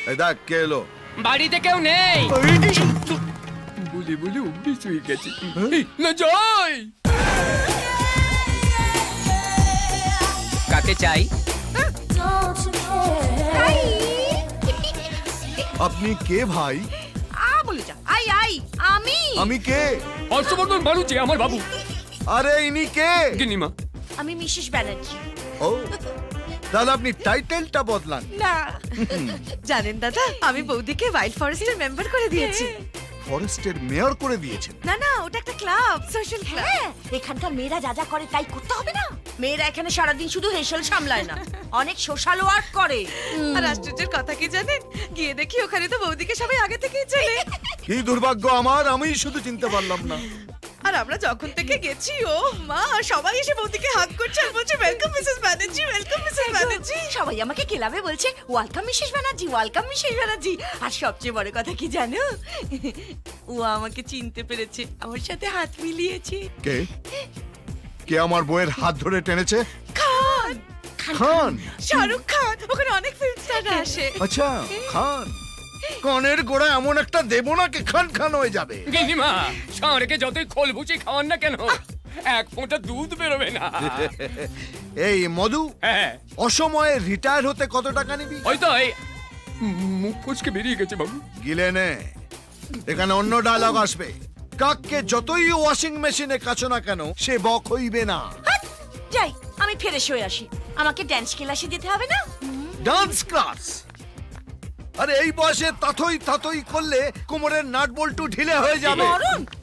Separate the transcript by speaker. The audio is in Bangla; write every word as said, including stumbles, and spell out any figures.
Speaker 1: এই দেখ কে এলো।
Speaker 2: বাড়িতে কেউ নেই। বলে বলে অভ্যেস হয়ে গেছে। এই, না যাই। কাকে চাই?
Speaker 1: আপনি কে ভাই?
Speaker 3: আ বলে যা। আই আই আমি
Speaker 1: আমি কে?
Speaker 2: হর্ষবর্ধন বাড়ুচে আমার বাবু।
Speaker 1: আরে ইনি কে?
Speaker 2: গিনিমা।
Speaker 3: আমি মিসেস ব্যানার্জি।
Speaker 1: ও তাহলে আপনি টাইটেলটা বদলান।
Speaker 3: না
Speaker 4: জানেন দাদা, আমি বৌদিকে ওয়াইল্ড ফরেস্টের মেম্বার করে দিয়েছি।
Speaker 1: ফরেস্টের মেয়র করে দিয়েছেন?
Speaker 4: না না, ওটা একটা ক্লাব, সোশ্যাল ক্লাব।
Speaker 3: হ্যাঁ, এখানকার মেয়েরা যা যা করে তাই করতে হবে না। মেয়েরা এখানে সারাদিন শুধু হেসেল সামলায় না, অনেক সোশ্যাল ওয়ার্ক করে।
Speaker 4: আর আশ্চর্যের কথা কি জানেন, গিয়ে দেখি ওখানে তো বৌদিকে সবাই আগে থেকেই চেনে।
Speaker 1: কি দুর্ভাগ্য আমার, আমি শুধু চিনতে পারলাম না।
Speaker 4: আর আমরা যখন থেকে গেছি, ও মা, সবাই এসে বৌদিকে হাত করছে আর বলছে welcome Mrs Banerjee, welcome Mrs Banerjee.
Speaker 3: সবাই আমাকে ক্লাবে বলছে welcome Mrs Banerjee, welcome Mrs Banerjee. আর সবচেয়ে বড় কথা কি জানো, ও আমাকে চিনতে পেরেছে, আমার সাথে হাত মিলিয়েছে।
Speaker 1: কে কে আমার বউয়ের হাত ধরে টেনেছে?
Speaker 4: খান,
Speaker 1: খান?
Speaker 4: শাহরুখ খান, ওখানে অনেক ফিল্ম স্টাররা আসে।
Speaker 1: আচ্ছা খান। কানের গোড়া এমন একটা দেবো না কি খান খান হয়ে যাবে।
Speaker 2: গিনিমা, ষাঁড়কে যতই খোল ভুচি খাওয়ান না কেন, এক ফোঁটা দুধ বেরোবে না।
Speaker 1: এই মধু,
Speaker 2: হ্যাঁ,
Speaker 1: অসময়ে রিটায়ার হতে কত টাকা নিবি?
Speaker 2: ওই তো এই মুখ ফসকে বেরিয়ে গেছে বাবু।
Speaker 1: গিলে নে, এখানে অন্য ডায়লগ আসবে। কাককে যতই ওয়াশিং মেশিনে কাছো না কেন, সে বক হইবে না।
Speaker 3: হাট, যাই আমি ফ্রেশ হয়ে আসি, আমাকে ড্যান্স ক্লাসে যেতে হবে না।
Speaker 1: Dance class? আরে এই বয়সে তাতই তাতই করলে কোমরের নাট বল্টু ঢিলে হয়ে যাবে।
Speaker 3: মরণ